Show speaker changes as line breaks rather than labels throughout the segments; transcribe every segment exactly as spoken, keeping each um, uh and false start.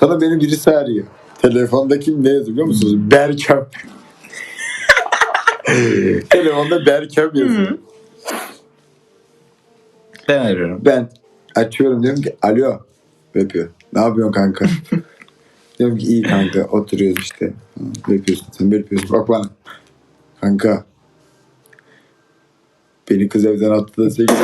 Sana beni birisi arıyor. Telefonda kim ne yazıyor biliyor musunuz? Berkem. Telefonda Berkem yazıyor.
Hı. Ben arıyorum.
Ben açıyorum diyorum ki alo. Yapıyor. Ne yapıyorsun kanka? Diyorum ki iyi kanka oturuyoruz işte. Ha, ne yapıyorsun sen ne yapıyorsun? Bak bana. Kanka. Beni kız evden attı da sevgili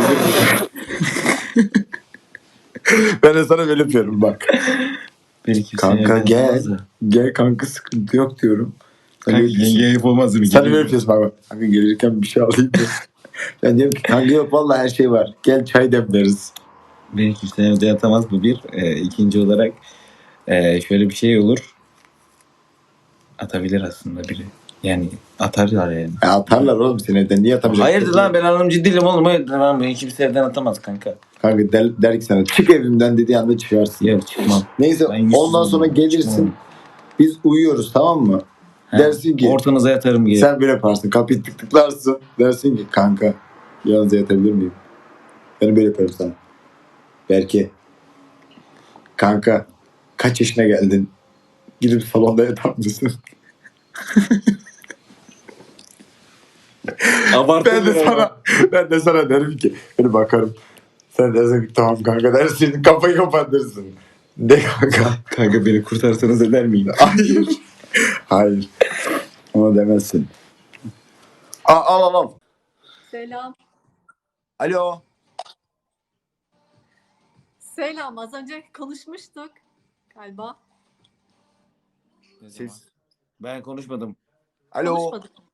Ben de sana böyle yapıyorum bak.
Beni kimse
Kanka
evden
gel.
atamaz da.
Gel kanka sıkıntı yok diyorum. Sen
Kanka
böyle diyorsun.
yenge ayıp olmaz mı?
Sen de böyle yapıyorsun bak bak. Kanka gelirken bir şey alayım da. Ben diyorum ki kanka yok vallahi her şey var. Gel çay demleriz.
Beni kimse evde yatamaz bu bir. Ee, ikinci olarak ee, şöyle bir şey olur. Atabilir aslında biri. Yani atarlar yani.
Ya atarlar oğlum seni evden. Niye atamayacak?
Hayırdır lan ben anlam ciddiyim oğlum. Hayırdır lan beni kimse evden atamaz kanka.
Kanka der, der ki sana çık evimden dediği anda çıkarsın.
Yok çıkmam.
Neyse
Ben yüzsüzüm
ondan sonra
oğlum,
gelirsin.
çıkmam.
Biz uyuyoruz tamam mı?
He,
Dersin ki
ortanıza yatarım gibi.
sen böyle yaparsın. Kapıyı tık tıklarsın. Dersin ki kanka yalnız yatabilir miyim? Ben böyle yaparım sana. Belki kanka kaç yaşına geldin? Gidip salonda yatar mısın?
Abartı
ben de
bir
sana ben de sana derim ki böyle bakarım. Sen dersin ki tamam kanka dersin. Kafayı kapatırsın. De kanka.
Kanka beni kurtarsanız eder miyim?
Hayır. Hayır. Onu demezsin. Al al al. al.
Selam.
Alo.
Selam. Az önce konuşmuştuk galiba.
Siz.
Ben konuşmadım.
Alo.
Konuşmadık.